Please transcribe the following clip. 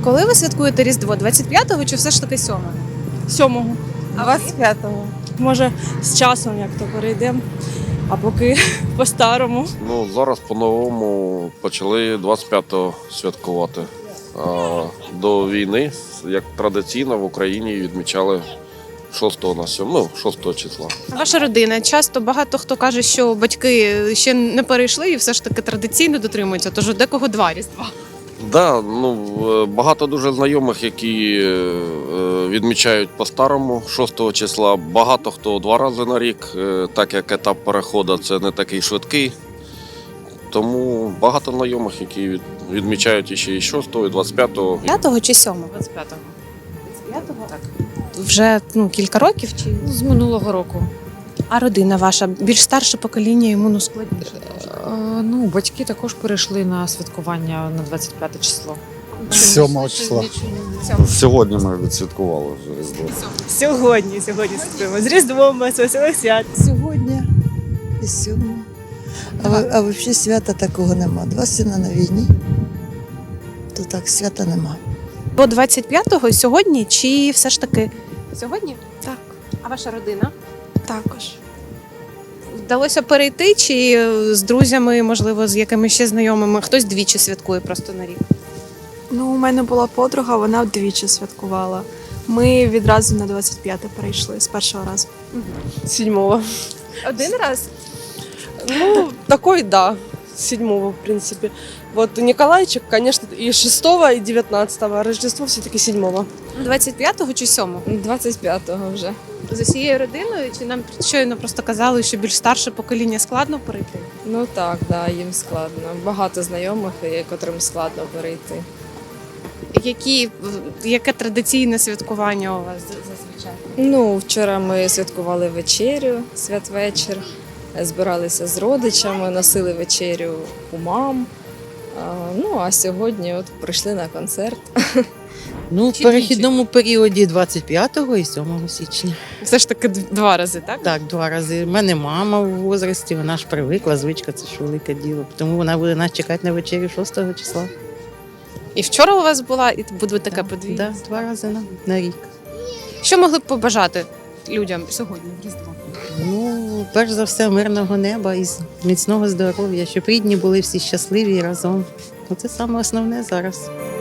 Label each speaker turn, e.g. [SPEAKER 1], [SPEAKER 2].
[SPEAKER 1] Коли ви святкуєте Різдво? 25-го чи все ж таки 7-го?
[SPEAKER 2] 7-го,
[SPEAKER 1] А ви?
[SPEAKER 2] 25-го. Може, з часом як то перейдемо, а поки по-старому.
[SPEAKER 3] Ну, зараз по-новому почали 25-го святкувати. А до війни, як традиційно, в Україні відмічали 6 на 7, ну, 6 числа.
[SPEAKER 1] Ваша родина. Часто багато хто каже, що батьки ще не перейшли і все ж таки традиційно дотримуються, тож у декого 2 Різдва.
[SPEAKER 3] Да, ну, багато дуже знайомих, які відмічають по-старому 6 числа. Багато хто 2 рази на рік, так як етап переходу це не такий швидкий. Тому багато знайомих, які відмічають іще і 6-го, і 25-го.
[SPEAKER 1] 5-го чи 7-го?
[SPEAKER 4] 25-го.
[SPEAKER 1] 25-го? Так. Вже кілька років чи?
[SPEAKER 4] З минулого року.
[SPEAKER 1] А родина ваша? Більш старше покоління, йому складніше.
[SPEAKER 4] Ну, батьки також перейшли на святкування на 25 число.
[SPEAKER 5] 7 числа. Сьогодні ми відсвяткували вже Різдво.
[SPEAKER 2] Сьогодні святкуємо. З Різдвом, з веселих свят.
[SPEAKER 6] Сьогодні і 7. А взагалі свята такого нема. 2 сина на війні, то так свята нема.
[SPEAKER 1] Бо 25-го сьогодні чи все ж таки сьогодні?
[SPEAKER 2] Так.
[SPEAKER 1] А ваша родина?
[SPEAKER 2] Також.
[SPEAKER 1] Вдалося перейти чи з друзями, можливо, з якимись ще знайомими? Хтось двічі святкує просто на рік.
[SPEAKER 7] Ну, у мене була подруга, вона вдвічі святкувала. Ми відразу на 25-те перейшли з першого разу.
[SPEAKER 2] 7-го.
[SPEAKER 1] Один раз?
[SPEAKER 2] Ну, такой, да. 7-го, в принципе. Вот Николайчик, конечно, и 6-го, и 19-го, а Рождество все-таки 7-го.
[SPEAKER 1] 25-го чи 7-го?
[SPEAKER 4] 25-го вже.
[SPEAKER 1] З усією родиною? Чи нам щойно просто казали, що більш старше покоління складно перейти?
[SPEAKER 4] Ну так, да, їм складно. Багато знайомих, котрим складно перейти.
[SPEAKER 1] Яке традиційне святкування у вас зазвичай?
[SPEAKER 4] Ну, вчора ми святкували вечерю, святвечір, збиралися з родичами, носили вечерю у мам. Ну, а сьогодні от прийшли на концерт.
[SPEAKER 8] Ну, в
[SPEAKER 1] Чи
[SPEAKER 8] перехідному періоді 25 і 7 січня.
[SPEAKER 1] Все ж таки 2 рази, так?
[SPEAKER 8] Так, 2 рази. У мене мама в возрасті, вона ж привикла, звичка, це ж велике діло. Тому вона буде нас чекати на вечерю 6 числа.
[SPEAKER 1] І вчора у вас була, і буде таке подвійне?
[SPEAKER 8] Да, 2 рази на рік.
[SPEAKER 1] Що могли б побажати людям сьогодні в Різдво?
[SPEAKER 8] Ну, перш за все, мирного неба і міцного здоров'я, щоб рідні були всі щасливі і разом. Оце саме основне зараз.